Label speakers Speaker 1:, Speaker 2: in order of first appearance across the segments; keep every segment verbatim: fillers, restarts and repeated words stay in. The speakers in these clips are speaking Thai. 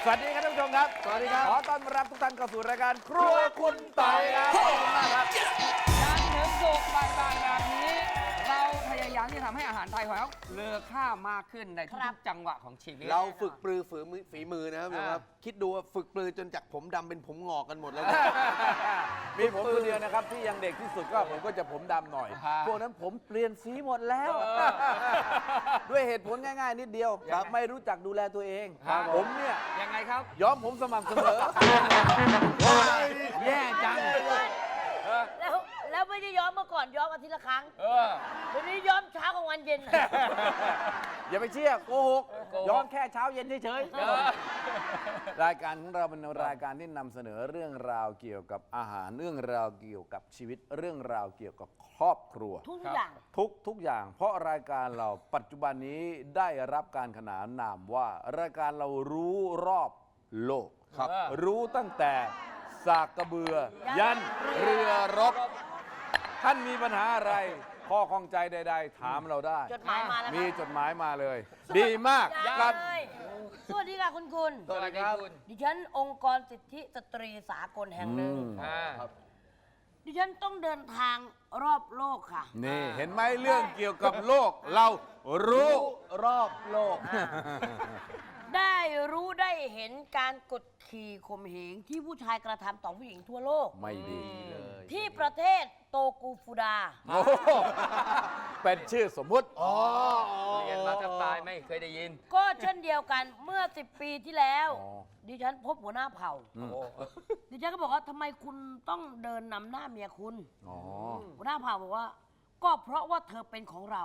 Speaker 1: สวัสดีครับท่านผู้ชมครับสวัสดีครับขอต้อนรับทุกท่านเข้าสู่รายการครัวคุณต่อยครับขอบคุณมากครับ
Speaker 2: จันทร์ถึงศุกร์บ่ายๆแบบนี้เราพยายามที่จะทำให้อาหารไทยของเราเลอค่ามากขึ้นในทุกๆจังหวะของชีวิต
Speaker 3: เราฝึกปรือฝืนฝีมือนะครับครับคิดดูว่าฝึกปรือจนจากผมดำเป็นผมงอกกันหมดแล้ว
Speaker 1: มีผมคนเดียวนะครับที่ยังเด็กที่สุดก็ผมก็จะผมดำหน่อยพวกนั้นผมเปลี่ยนสีหมดแล้วด้วยเหตุผลง่ายๆนิดเดียวไม่รู้จักดูแลตัวเองผมเนี่ย
Speaker 2: ยังไงครับ
Speaker 1: ย้อมผมสม่ำเสมอแย่จัง
Speaker 4: แล้วแล้วไม่ได้ย้อมเมื่อก่อนย้อมอาทิตย์ละครั้งเดี๋ยวนี้ย้อมเช้ากับวันเย็น
Speaker 1: อย่าไปเชื่อโกหกย้อมแค่เช้าเย็นเฉยๆรายการของเราเป็นรายการที่นำเสนอเรื่องราวเกี่ยวกับอาหารเรื่องราวเกี่ยวกับชีวิตเรื่องราวเกี่ยวกับครอบครัว
Speaker 4: ทุกอย่าง
Speaker 1: ทุกทุกอย่างเพราะรายการเราปัจจุบันนี้ได้รับการขนานนามว่ารายการเรารู้รอบโลกครับรู้ตั้งแต่สากกระเบือยันเรือรบท่านมีปัญหาอะไรข้อข้องใจใดๆถามเราได้
Speaker 4: จดหมายมาแล้ว
Speaker 1: มีจดหมายมาเลยดีมาก
Speaker 4: ครับสวัสดีค่ะคุณคุณ
Speaker 2: สวัสดีครับ
Speaker 4: ดิฉันองค์กรสิทธิสตรีสากลแห่งหนึ่งดิฉันต้องเดินทางรอบโลกค่ะ
Speaker 1: นี่เห็นไหมเรื่องเกี่ยวกับโลกเรารู้รอบโลก
Speaker 4: ได้รู้ได้เห็นการกดขี่ข่มเหงที่ผู้ชายกระทำต่อผู้หญิงทั่วโลก
Speaker 1: ไม่ดีเลย
Speaker 4: ที่ประเทศโตกูฟูดา
Speaker 1: โอ้เป็นชื่อสมมุติอ๋อ
Speaker 2: เรียนมาแทบตายไม่เคยได้ยิน
Speaker 4: ก็เช่นเดียวกันเมื่อสิบปีที่แล้วดิฉันพบหัวหน้าเผ่าดิฉันก็บอกว่าทำไมคุณต้องเดินนำหน้าเมียคุณหัวหน้าเผ่าบอกว่าก็เพราะว่าเธอเป็นของเรา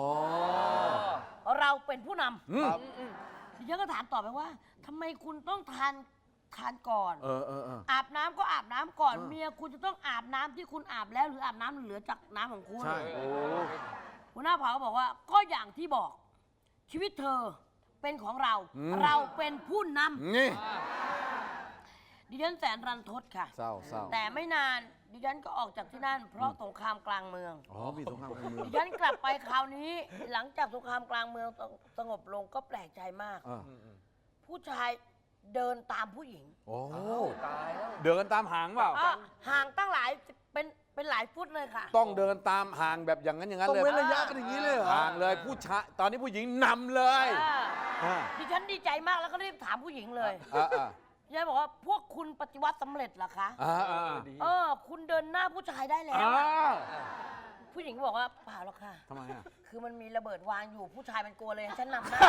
Speaker 4: เราเป็นผู้นำดิฉันก็ถามต่อไปว่าทำไมคุณต้องทานทานก่อน
Speaker 1: เออเออ
Speaker 4: อาบน้ำก็อาบน้ำก่อนเมียคุณจะต้องอาบน้ำที่คุณอาบแล้วหรืออาบน้ำเหลือจากน้ำของคุณ
Speaker 1: ใช่โอ้
Speaker 4: หัวหน้าเผ่าก็บอกว่าก็อย่างที่บอกชีวิตเธอเป็นของเราเราเป็นผู้นำ
Speaker 1: นี่
Speaker 4: ดิฉันแสนรันทดค่ะ
Speaker 1: เศร้าเศร้า
Speaker 4: แต่ไม่นานดิฉันก็ออกจากที่นั่นเพราะสงครามกลางเมือง
Speaker 1: อ๋อมีสงครามกลางเมือง
Speaker 4: ดิฉันกลับไปคราวนี้หลังจากสงครามกลางเมืองสงบลงก็แปลกใจมากผู้ชายเดินตามผู้หญิง
Speaker 1: โอ้ตายเดินตามหางเปล่า
Speaker 4: ห่างตั้งหลายเป็นเป็นหลายฟุตเลยค่ะ
Speaker 1: ต้องเดินตามห่างแบบอย่างนั้นอย่างนั้นเลย
Speaker 3: ต้องเว้นระยะกันอย่างนี้เลยเหรอ
Speaker 1: ห่างเลยผู้ชายตอนนี้ผู้หญิงนำเลย
Speaker 4: ดิฉันดีใจมากแล้วก็รีบถามผู้หญิงเลยยายบอกว่าพวกคุณปฏิวัติสำเร็จเหรอคะเออคุณเดินหน้าผู้ชายได้แล้วผู้หญิงบอกว่าเปล่าหรอกค่ะ
Speaker 1: ทำไมอ่ะ
Speaker 4: คือมันมีระเบิดวางอยู่ผู้ชายมันกลัวเลยฉันนำหน้า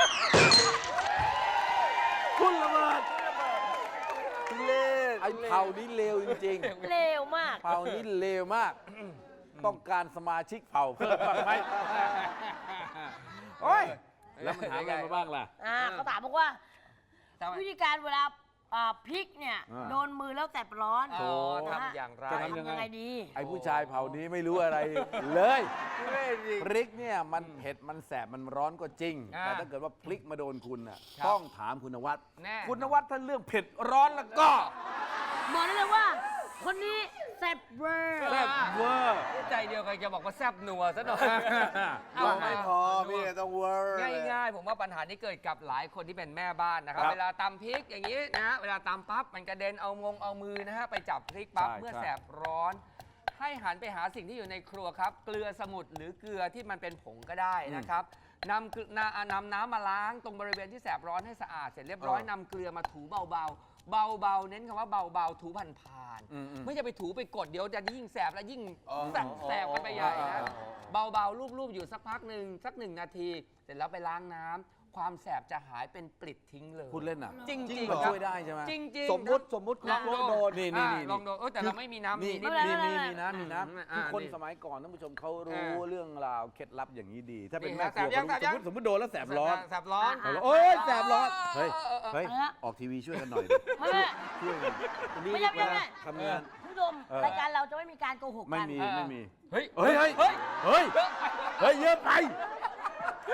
Speaker 1: คุณระเบิดเลวไอ้เผ่านี้เลวจริง
Speaker 4: ๆเลวมาก
Speaker 1: เผ่านี้เลวมากต้องการสมาชิกเผ่าเพิ่มบ้างไหมโอ้ยแล้วมันหาอะไรมาบ้างล่ะ
Speaker 4: อ่าเขาถามบอกว่าวิธีการเวลาพริกเนี่ยโดนมือแล้วแสบร้อน
Speaker 2: ทำอย่างไร
Speaker 4: จะทำยังไงดี
Speaker 1: ไอ้ผู้ชายเผ่านี้ไม่รู้อะไรเลยพริกเนี่ยมันเผ็ดมันแสบมันร้อนก็จริงแต่ถ้าเกิดว่าพริกมาโดนคุณน่ะต้องถามคุณนวัดคุณนวัดถ้าเรื่องเผ็ดร้อนแล้วก็
Speaker 4: บอกได้เลยว่าคนนี้แซ่บเวอร์
Speaker 1: แซ่บเวอร์
Speaker 2: ใจเดียวกันจะบอกว่าแซ่บนัวซะหน่อย
Speaker 3: เอาไม่พอพี่ต้องเวอร์
Speaker 2: ง่ายๆผมว่าปัญหานี้เกิดกับหลายคนที่เป็นแม่บ้านนะครับเวลาตำพริกอย่างนี้นะเวลาตำปั๊บมันกระเด็นเอางงเอามือนะฮะไปจับพริกปั๊บเมื่อแสบร้อนให้หันไปหาสิ่งที่อยู่ในครัวครับเกลือสมุนหรือเกลือที่มันเป็นผงก็ได้นะครับนำนำน้ำมาล้างตรงบริเวณที่แสบร้อนให้สะอาดเสร็จเรียบร้อยนำเกลือมาถูเบาๆเบาๆเน้นคำว่าเบาๆถูผ่านๆไม่ใช่ไปถูไปกดเดี๋ยวจะยิ่งแสบและยิ่งแสบกันไปใหญ่นะเบาๆรูปๆอยู่สักพักหนึ่งสักหนึ่งนาทีเสร็จแล้วไปล้างน้ำความแสบจะหายเป็นปลิดทิ้งเลย
Speaker 1: พูดเล่นอ่ะ
Speaker 2: จริง
Speaker 1: ๆมันช่วยได้ใช่ไหม
Speaker 2: จริง
Speaker 3: ๆสมมติสมมติ
Speaker 2: ลองโดน
Speaker 1: นี่นี่
Speaker 2: ลองโดนแต่เราไม่มีน้ำ
Speaker 1: มีมีมีมีน้ำมีน้ำคือคนสมัยก่อนท่านผู้ชมเขารู้เรื่องราวเคล็ดลับอย่างนี้ดีถ้าเป็นแม่ครัวสมมติสมมติโดนแล้วแสบร้อน
Speaker 2: แสบร้อน
Speaker 1: โอ้ยแสบร้อนเฮ้ยเฮ้ยออกทีวีช่วยกันหน่อยช่วยกัน
Speaker 4: ไม่ใช่ไม่ใช่ทำงานผู้ชมรายการเราจะไม่มีการโกหกกัน
Speaker 1: ไม่มีไม่มี
Speaker 2: เฮ้ย
Speaker 1: เฮ้ยเฮ้ยเฮ้ยเฮ้ยเยอะไปอ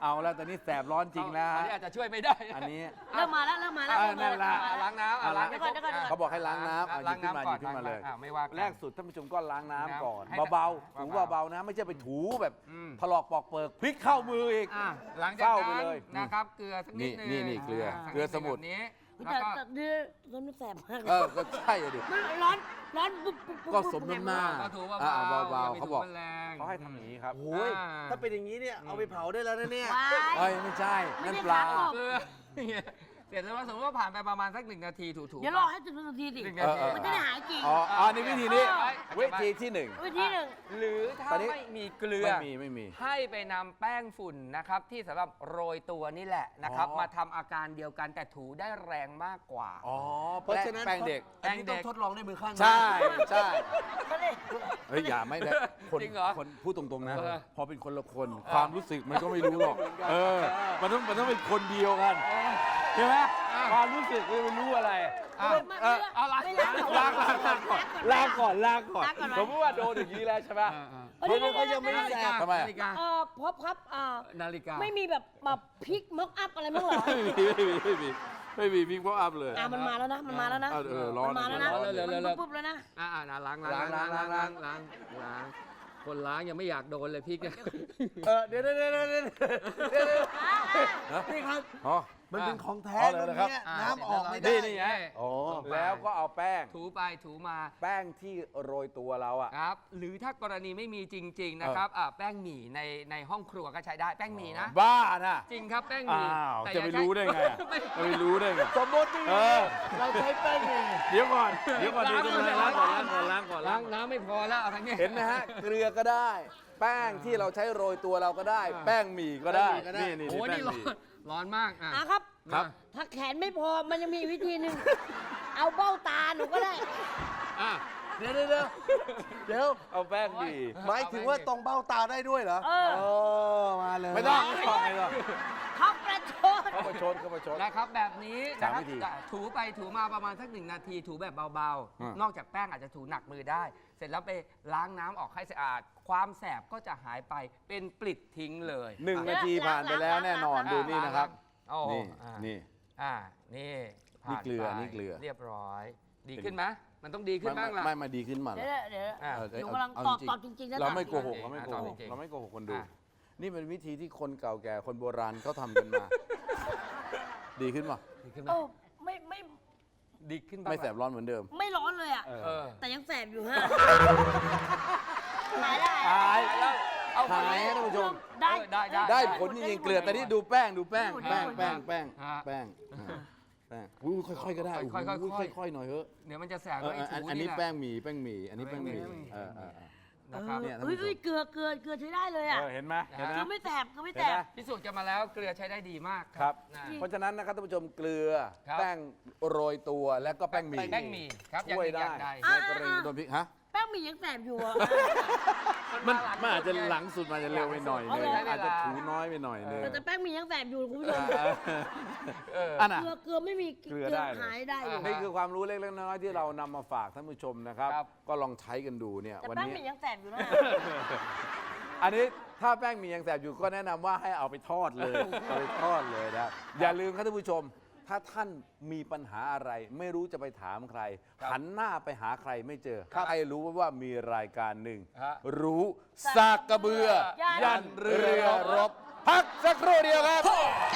Speaker 1: เอาแล้วตอนนี้แสบร้อนจริงแล้ว
Speaker 2: อัน
Speaker 1: ฮะ
Speaker 2: นี้อาจจะช่วยไม่ได้
Speaker 1: อันนี้
Speaker 4: เริ่มมาแล้วเริ่มมาแล้ว
Speaker 1: อ่า
Speaker 4: เริ่มมา
Speaker 1: นั่นล่ะ
Speaker 4: เริ่มมา
Speaker 2: ล้างน้ำอ่ะล้างให้ครบ
Speaker 4: เดี๋ยวก่อนเดี๋ยวก่อน
Speaker 1: เขาบอกให้ล้างน้ำ
Speaker 2: อ่ะ
Speaker 1: อ่ะหยิ
Speaker 2: ล้า
Speaker 1: บ
Speaker 2: ง
Speaker 1: ขึ้นมา
Speaker 2: น้ำ
Speaker 1: ห
Speaker 2: ก่
Speaker 1: ยิ
Speaker 2: อน
Speaker 1: บขึ้นมาเลย
Speaker 2: อ่ะไม่ว่ากัน
Speaker 1: แรกสุดท่านผู้ชมก็ล้างน้ำก่อน
Speaker 2: ให้
Speaker 1: เบาๆถู
Speaker 2: เบาๆ
Speaker 1: เบาๆนะไม่ใช่ไปถูแบบ
Speaker 2: อืม
Speaker 1: ถลอกปอกเปิกพลิกเข้ามืออีก
Speaker 2: อ่ะหลังจาก
Speaker 1: เศร้าไป
Speaker 2: นั้น
Speaker 1: เลย
Speaker 2: นะครับ เกลือสักนิดนึง
Speaker 1: นี่นี่นี่เกลือ
Speaker 2: สั
Speaker 1: เกลือสมุน
Speaker 2: แบบนี้
Speaker 4: แต่
Speaker 2: แล้วก็
Speaker 4: แต่เดือดร้อนแสบมาก
Speaker 1: เออก็ใช่อะดิ
Speaker 4: มันร้อนร้อนปุ๊บปุ๊บปุ๊บ
Speaker 1: ก็สมน้ำหน้า
Speaker 2: ก็ถูเบา
Speaker 1: อ่ะ
Speaker 2: ๆ
Speaker 1: เบาๆ
Speaker 2: อย่ไป
Speaker 1: เขาบอก
Speaker 2: ถูแรง
Speaker 1: เขาให้ทำอย่างนี้ครับ
Speaker 3: โอ้ย
Speaker 2: อ่า
Speaker 3: ถ้าเป็นอย่างนี้เนี่ยเอาไปเผาได้แล้วนะเนี่ย
Speaker 4: ว้าย
Speaker 1: เอ้ยไม่ใช่
Speaker 4: ไม่
Speaker 1: นั่น
Speaker 4: ได้
Speaker 1: ปลา
Speaker 4: ล้างหรอก
Speaker 2: เกลือเสร็จแล้วสมมติว่าผ่านไปประมาณสักหนึ่งนาทีถูๆ
Speaker 4: เดี๋ยวรอให้ถึงนาทีสิ
Speaker 2: หนึ่ง
Speaker 1: เอ
Speaker 2: นา
Speaker 1: อ
Speaker 2: ที
Speaker 1: เออ
Speaker 4: มันจะได้หายจริง
Speaker 1: อ๋ออ๋อนี่วิธีนี้
Speaker 2: เออ
Speaker 1: วิธีที่หนึ่ง
Speaker 4: วิธีหนึ่ง
Speaker 2: หรือถ้า
Speaker 1: ตอนนี้
Speaker 2: ไม่มีเกลือ
Speaker 1: ไม่มีไม่มี
Speaker 2: ให้ไปนำแป้งฝุ่นนะครับที่สำหรับโรยตัวนี่แหละนะครับ
Speaker 1: อ๋อ
Speaker 2: มาทำอาการเดียวกันแต่ถูได้แรงมากกว่า
Speaker 1: อ๋อ
Speaker 3: เพราะฉะนั้น
Speaker 1: แป้งเด็ก
Speaker 3: อันนี้ต้องทดลองด้วยมือข้างนะ
Speaker 1: ใช่ใช่
Speaker 4: ก็เลย
Speaker 1: เฮ้ยอย่าไม่ได้คน
Speaker 2: จริงเหรอ
Speaker 1: คนพูดตรงๆนะ
Speaker 2: เออ
Speaker 1: พอเป็นคนละคน ความรู้สึกมันก็ไม่รู้หรอก เออ มันต้องมันต้องเป็นคนเดียวกันใช่ไหมความรู้สึกมันไม่รู้อะไร
Speaker 2: อ่ะ
Speaker 4: ไม่
Speaker 1: เออ
Speaker 2: เอาล้าง
Speaker 4: ไม่ล้างหรอก
Speaker 1: ล้างล้างล้างก่อนล้างก่อนล้างก่อน
Speaker 4: ล้างก่อนไหม
Speaker 1: สมมติว่าโดนอย่างนี้แล้วใช่ไหม
Speaker 4: เฮ้ยเดี๋ยวเดี๋ยว
Speaker 3: ไม่
Speaker 4: เดี๋ยว
Speaker 3: ได้
Speaker 4: เดี๋ยว
Speaker 1: ทำไม
Speaker 2: นาฬิกา
Speaker 4: เอ่อพบครับอ่า
Speaker 2: นาฬิกา
Speaker 4: ไม่มีแบบมาพลิกม็อกอัพอะไรมั้างเหรอ
Speaker 1: ไม่มีไม่มีไม่มีไม่มีพิงพออัพเลย
Speaker 4: อ่ามันมาแล้วนะ มันมาแล้วนะ
Speaker 1: เออเออร้อน
Speaker 4: มันมาแล้วนะ
Speaker 1: ร้อน
Speaker 2: เร็วๆเร็วๆ
Speaker 4: มันปุ๊บๆแล้วนะ
Speaker 2: อ่าอ่าล้างล้างล้างล้างล้างล้างล้างคนล้างยังไม่อยากโดนเลยพี่เนี่ย
Speaker 3: เออเดี๋ยวเดี๋ยวเดี๋ยวเดี๋ยวเดี๋ยวเดี๋ยวนี่ครับ
Speaker 1: อ๋อ
Speaker 3: มันเป็นของแท้
Speaker 1: อ๋อเลย
Speaker 3: ตรง
Speaker 1: นะครับ
Speaker 3: เนี้ย
Speaker 2: อ่า
Speaker 3: น้ำออกไม่ได้
Speaker 1: นี่นี่ไง
Speaker 2: โอ้
Speaker 1: แล้วก็เอาแป้ง
Speaker 2: ถูไปถูมา
Speaker 1: แป้งที่โรยตัวเราอ่ะ
Speaker 2: ครับ หรือถ้ากรณีไม่มีจริง ๆ นะครับอ่าแป้งหมี่ในในห้องครัวก็ใช้ได้แป้งหมี่นะ
Speaker 1: บ้านะ
Speaker 2: จริงครับแป้งห
Speaker 1: อ้า
Speaker 2: มี่
Speaker 1: ว
Speaker 2: แต่
Speaker 1: จะ
Speaker 2: อย่า
Speaker 1: ไป
Speaker 2: ใช้
Speaker 1: รู้ได้ไงอะจะไปรู้ได้ไง
Speaker 3: สมมติ
Speaker 1: เออ
Speaker 3: เราใช้แป้งไง
Speaker 1: เดี๋ยวก่อน เดี๋ยวก่อนเดี๋ยวก่อนล้างก่อนล้างก่อนล้างก่อน
Speaker 2: ล้า
Speaker 1: ล้าง ง
Speaker 2: น้ำไม่พอแล้วเอาทั้งนี้
Speaker 1: เห็นไหมฮะ เกลือก็ได้ แป้งที่เราใช้โรยตัวเราก็ได้ แป้งหมี่ก็ได้ นี่นี่
Speaker 2: โอ้
Speaker 1: นี่แป้
Speaker 2: นี่
Speaker 1: ง
Speaker 2: ร้อ
Speaker 1: หมี่
Speaker 2: นร้อนมากอ่ะ
Speaker 4: อ่ะครับ
Speaker 1: ครับ
Speaker 4: ถ้าแขนไม่พอ มันยังมีวิธีหนึ่ง เอาเบ้าตาหนูก็ได้
Speaker 2: อ่ะ
Speaker 3: เดี๋ยวเดี๋ยวเดี๋ยวเดี๋ยว
Speaker 1: เอาแป้งหมี่
Speaker 3: หมายถึงว่าตรงเบ้าตาได้ด้วยเหรอ
Speaker 4: เออ
Speaker 3: โอ้มาเลย
Speaker 1: ไม่ต้องไม่ต้องไม่ต้อง
Speaker 4: เขาประชด
Speaker 1: เข้ามาชนเข้ามาชน
Speaker 2: นะครับแบบนี้
Speaker 1: สาม
Speaker 2: นะครับ
Speaker 1: วิธี
Speaker 2: จะถูไปถูมาประมาณสักหนึ่งนาทีถูแบบเบา
Speaker 1: อืม
Speaker 2: ๆ นอกจากแป้งอาจจะถูหนักมือได้ เสร็จแล้วไปล้างน้ำออกให้สะอาด ความแสบก็จะหายไปเป็นปลิดทิ้งเลย
Speaker 1: หนึ่งนาทีผ่านไปแล้วแน่นอน
Speaker 2: อ่ะ
Speaker 1: ดูนี่นะครับ
Speaker 2: โอ้
Speaker 1: นี่
Speaker 2: อ่ะ
Speaker 1: นี่
Speaker 2: อ่านี่ผ่า
Speaker 1: นี่เกลือ
Speaker 2: ไป
Speaker 1: นี่เกลือ
Speaker 2: เรียบร้อย ดีขึ้นไหมมันต้องดีขึ้นบ้างล่ะ
Speaker 1: ไม่มาดีขึ้นมา
Speaker 4: เดี๋ยวเดี๋ยว
Speaker 2: อ่ะ
Speaker 1: เออ
Speaker 4: หนูกำลัง
Speaker 1: เา
Speaker 4: ตอบ
Speaker 1: จริงๆ
Speaker 4: ตอบจริงๆนะ
Speaker 1: เราไม่
Speaker 4: ตอบ
Speaker 1: โกหกเราไม่โกห
Speaker 2: ตอบ
Speaker 1: ก
Speaker 2: จริงๆ
Speaker 1: เราไม่โกหกคนดู
Speaker 2: อ่ะ
Speaker 1: นี่เป็นวิธีที่คนเก่าแก่คนโบราณเขาทำกันมา ดีขึ้นป่ะ
Speaker 2: ดีขึ้นไหม
Speaker 4: เออไม่ไม่
Speaker 2: ดีขึ้นบ้าง
Speaker 1: ไม่แสบร้อนเหมือนเดิม
Speaker 4: ไม่ร้อนเลยอ่ะ
Speaker 2: เออ
Speaker 4: แต่ยังแสบอยู่ฮะหายได้
Speaker 1: หาย
Speaker 2: แล้วเอา
Speaker 1: หายนะท่านผู้ชม
Speaker 4: ได้
Speaker 2: เออได้ได้
Speaker 1: ได้ผลจริงๆเกลือแต่นี่ดูแป้งดูแป้ง
Speaker 4: ได้
Speaker 1: แป้ง
Speaker 4: ผล
Speaker 1: แป้งแป้ง
Speaker 2: ฮะ
Speaker 1: แป้งอ่าแป้งอุ้ยค่อยๆก็ได้
Speaker 2: ค่อยๆ
Speaker 1: อุ้
Speaker 2: ค่อยๆ
Speaker 1: ค่อยๆหน่อยเถอะ
Speaker 2: เดี๋ยวมันจะแสบ
Speaker 1: เออ
Speaker 2: ไว้
Speaker 1: เอออัน
Speaker 2: ถู
Speaker 1: อันนี้
Speaker 2: แหละ
Speaker 1: แป้งหมี่แป้งหมี่อันนี้แป้งหมี่
Speaker 2: แป้งหมี่
Speaker 1: เออเออเออ
Speaker 2: นะครับ
Speaker 1: เนี่ยท่าน
Speaker 4: เฮ้ย
Speaker 1: ผู้ชม
Speaker 4: เฮ้ยเกลือเกลือเกลือใช้ได้เลยอ่ะ
Speaker 1: เออเห็นไหมเห็นไหม
Speaker 4: เกลือไม่แสบเกลือไม่แส
Speaker 1: เห็นไหม
Speaker 4: บ
Speaker 2: พิสูจน์กันมาแล้วเกลือใช้ได้ดีมาก
Speaker 1: ครับ
Speaker 2: นะ
Speaker 1: เพราะฉะนั้นนะครับท่านผู้ชมเกลือ
Speaker 2: ครับ
Speaker 1: แป้งโรยตัวและก็แป้งหมี่
Speaker 2: แป้งหมี่ครับ
Speaker 1: ช่วย
Speaker 2: อ
Speaker 1: ได้
Speaker 2: ย่างใด
Speaker 1: ในกรณีโดนพริกฮะ
Speaker 4: แป้งหมี่ยังแสบอยู่อ่ะ
Speaker 1: มันมันอาจจะหลังสุดมันจะเร็วไปหน่อยนึง
Speaker 4: เอาเลย
Speaker 1: อาจจะถูน้อยไปหน่อยนึง
Speaker 4: แต่แป้งหมี่ยังแสบอยู่คุณผู้ชม
Speaker 2: เออ
Speaker 1: อันน่ะ
Speaker 4: เกลือเกลือไม่มี
Speaker 1: เกลือได้เลย
Speaker 4: หายได้อยู่
Speaker 1: นี่คือความรู้เล็กๆน้อยๆที่เรานำมาฝากท่านผู้ชมนะครับ
Speaker 2: ครับ
Speaker 1: ก็ลองใช้กันดูเนี่ย
Speaker 4: แต่
Speaker 1: วัน
Speaker 4: แป้ง
Speaker 1: นี้
Speaker 4: หมี่ยังแสบอยู่นะ
Speaker 1: อันนี้ถ้าแป้งหมียังแสบอยู่ก็แนะนำว่าให้เอาไปทอดเลย เอาไปทอดเลยนะอย่าลืมครับท่านผู้ชม ถ้าท่านมีปัญหาอะไร ไม่รู้จะไปถามใคร
Speaker 2: ครับ
Speaker 1: หันหน้าไปหาใครไม่เจอ
Speaker 2: ครับ
Speaker 1: ใครรู้ว่ามีรายการหนึ่ง
Speaker 2: ฮะ
Speaker 1: รู้สากกระเบือ
Speaker 4: ยั
Speaker 1: ยั
Speaker 4: น
Speaker 1: นเรือรบ พักสักครู่เดียวครับ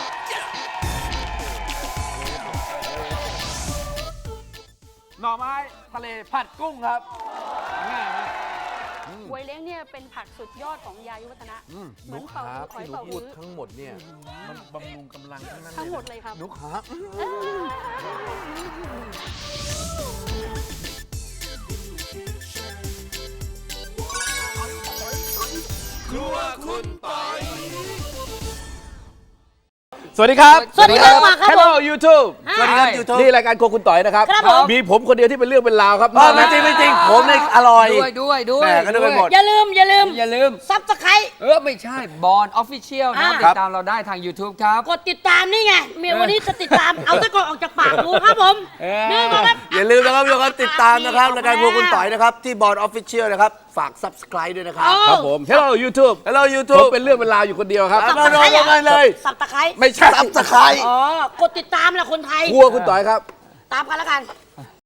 Speaker 1: หน่อไม้ทะเลผัดกุ้งครับง่ายไหม
Speaker 5: บวยเล้งเนี่ยเป็นผักสุดยอดของยายุวัฒนะ
Speaker 1: อืม
Speaker 5: เหมือนเป่า
Speaker 1: ขา
Speaker 5: หอย
Speaker 1: ที่หนู
Speaker 5: เป่า
Speaker 1: พูด
Speaker 5: ฮื้อ
Speaker 1: ทั้งหมดเนี่ย มันบำรุงกำลังทั้งนั้น
Speaker 5: ทั้งหมดเลยครับ
Speaker 1: หนูขา ครัวคุณปอยสวัสดีครับ
Speaker 4: สวัสดีครับมาครับ
Speaker 1: Hello YouTube
Speaker 4: สวัสดีครับ
Speaker 1: YouTube นี่รายการโครัวคุณต่อยนะครับ
Speaker 4: ครับผม
Speaker 1: มีผมคนเดียวที่เป็นเรื่องเป็นราวครับ
Speaker 3: เออไม่จริงไม่จริงผมเนี่ยอร่อย
Speaker 2: ด้วยด้วยด้วย
Speaker 3: แม่ก็นึกไปหมด
Speaker 4: อย่าลืมอย่าลืม
Speaker 2: อย่าลืม
Speaker 4: ซับสไคร
Speaker 2: เออ ไม่ใช่บอลออฟฟิเชียลนะครับ
Speaker 4: อ่า
Speaker 2: ติดตามเราได้ทาง YouTube ครับ
Speaker 4: กดติดตามนี่ไงเมียวันนี้จะติดตาม เอาตะกอนออกจากปากกูครับผม
Speaker 2: เออ
Speaker 4: นี่นะครับ
Speaker 3: อย่าลืมนะครับทุกคนติดตามนะครับรายการพวกคุณต่อยนะครับ ที่บอร์ดออฟฟิเชียลนะครับ ฝาก subscribe ด้วยนะครับ
Speaker 1: ครับผม Hello YouTube
Speaker 3: Hello
Speaker 1: ผม
Speaker 3: YouTube
Speaker 1: เป็นเรื่องเป็นราวอยู่คนเดียวครับ
Speaker 3: ครับ มาลงกันเลย
Speaker 4: สับตะไคร้
Speaker 1: ไม่ใช่
Speaker 3: subscribe
Speaker 4: อ๋อกดติดตามแหละคนไทย
Speaker 1: ครัวคุณต่อยครับ
Speaker 4: ตามกันแล้วกัน